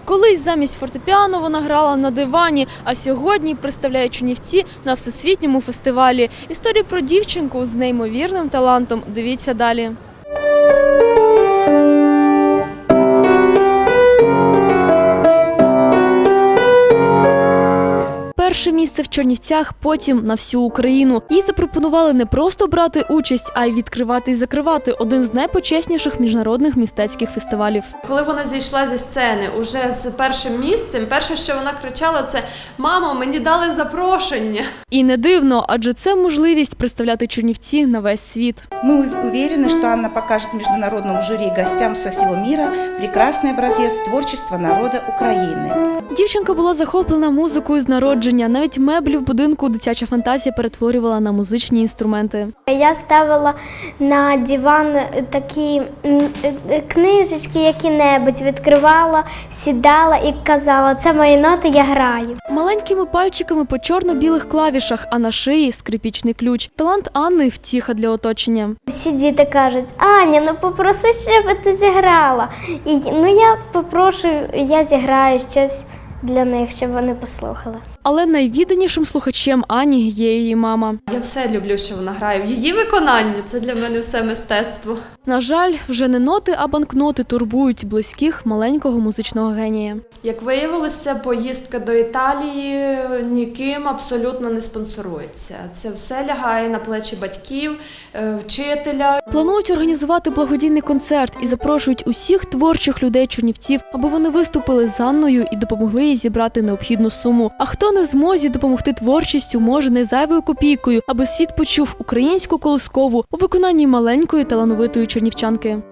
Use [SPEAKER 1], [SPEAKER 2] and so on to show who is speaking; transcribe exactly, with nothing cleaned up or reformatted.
[SPEAKER 1] Колись замість фортепіано вона грала на дивані, а сьогодні представляє Чернівці на всесвітньому фестивалі. Історію про дівчинку з неймовірним талантом дивіться далі. Перше місце в Чернівцях, потім на всю Україну. Їй запропонували не просто брати участь, а й відкривати і закривати один з найпочесніших міжнародних мистецьких фестивалів.
[SPEAKER 2] Коли вона зійшла зі сцени уже з першим місцем, перше, що вона кричала, це «Мамо, мені дали запрошення!».
[SPEAKER 1] І не дивно, адже це можливість представляти Чернівці на весь світ.
[SPEAKER 3] Мы уверены, что Анна покажет международному жюри и гостям со всего мира прекрасный образец творчества народа України.
[SPEAKER 1] Дівчинка була захоплена музикою з народження. Навіть меблі в будинку дитяча фантазія перетворювала на музичні інструменти.
[SPEAKER 4] Я ставила на диван такі книжечки, які-небудь, відкривала, сідала і казала, це мої ноти, я граю.
[SPEAKER 1] Маленькими пальчиками по чорно-білих клавішах, а на шиї скрипічний ключ. Талант Анни – втіха для оточення.
[SPEAKER 4] Всі діти кажуть, Аня, ну попроси, щоб ти зіграла. І ну я попрошу, я зіграю щось для них, щоб вони послухали.
[SPEAKER 1] Але найвідданішим слухачем Ані є її мама.
[SPEAKER 2] Я все люблю, що вона грає. В її виконанні це для мене все мистецтво.
[SPEAKER 1] На жаль, вже не ноти, а банкноти турбують близьких маленького музичного генія.
[SPEAKER 2] Як виявилося, поїздка до Італії ніким абсолютно не спонсорується. Це все лягає на плечі батьків, вчителя.
[SPEAKER 1] Планують організувати благодійний концерт і запрошують усіх творчих людей Чернівців, аби вони виступили з Анною і допомогли їй зібрати необхідну суму. А хто не змозі допомогти творчістю, може не зайвою копійкою, аби світ почув українську колискову у виконанні маленької талановитої чернівчанки.